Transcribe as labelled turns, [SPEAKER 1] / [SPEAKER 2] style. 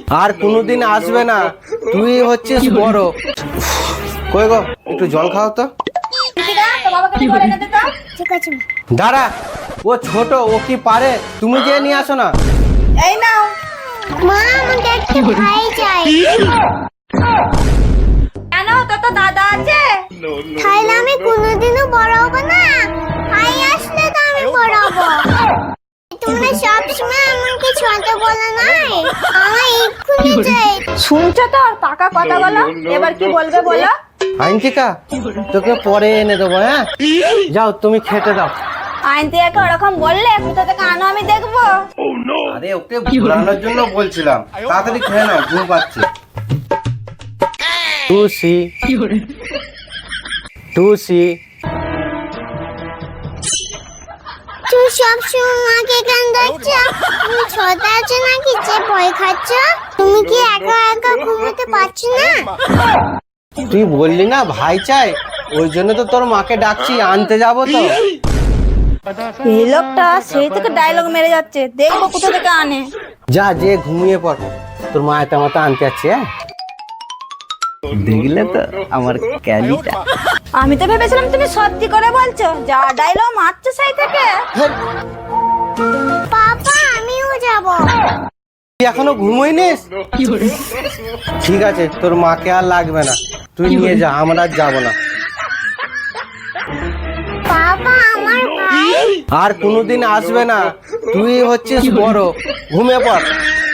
[SPEAKER 1] আর কোনোদিন আসবে না, তুই হচ্ছিস বড়। কই গো, একটু জল খাও তো।
[SPEAKER 2] ঠিক আছে
[SPEAKER 1] দাঁড়া, ও ছোট, ও কি পারে, তুমি যে নিয়ে আসো না।
[SPEAKER 3] এই নাও।
[SPEAKER 2] মা, আমাকে একটা ভাই চাই।
[SPEAKER 3] কেন, তোর তো দাদা আছে।
[SPEAKER 2] তাহলে আমি কোনোদিনও বড় হবো না? ভাই আসলে তো আমি বড় হবো। তোমরা সবসময় আমাকে ছোট বলো না, আমার এক্ষুনি চাই।
[SPEAKER 3] শুনছো তো পাকা কথা বলো, এবার কি বলবে বলো।
[SPEAKER 1] আইনটিকা, তোকে পরে এনে দেবো। হ্যাঁ, যাও তুমি খেতে দাও।
[SPEAKER 3] আইন থেকে ওরকম বললে কোথা থেকে আনো আমি দেখবো।
[SPEAKER 1] আরে ওকে ঘোরানোর জন্য বলছিলাম, তাড়াতাড়ি খেয়ে নাও, ঘুম পাচ্ছে। টুসি টুসি,
[SPEAKER 2] তুই সবসময় মাকে কেন দেখছ? তুমি ছোট আছো নাকি যে ভয় খাচ্ছ? তুমি কি একা একা ঘুমোতে পারছো না?
[SPEAKER 1] তুই বললি না ভাই চাই, ওই জন্য তো তোর মাকে ডাকছি, আনতে যাবো তো।
[SPEAKER 3] এই লোকটা সেই থেকে ডায়লগ মেরে যাচ্ছে, দেখবো কোথা থেকে আনে।
[SPEAKER 1] যা, যে ঘুমিয়ে পড়, তোর মা এটা মতো আনতে যাচ্ছে। হ্যাঁ, দেখলে তো আমার ক্যালিটা।
[SPEAKER 3] আমি তো ভেবেছিলাম তুমি সত্যি করে বলছো, যা ডায়লগ মারছো সেই থেকে।
[SPEAKER 2] পাপা, আমিও যাব।
[SPEAKER 1] তুই এখনো ঘুমোইনিস? ঠিক আছে, তোর মাকে আর লাগবে না, তুই নিয়ে যা, আমরা আর যাবো না।
[SPEAKER 2] পাপা, আমার ভাই।
[SPEAKER 1] আর কোনোদিন আসবে না, তুই হচ্ছিস বড়, ঘুমিয়ে পড়।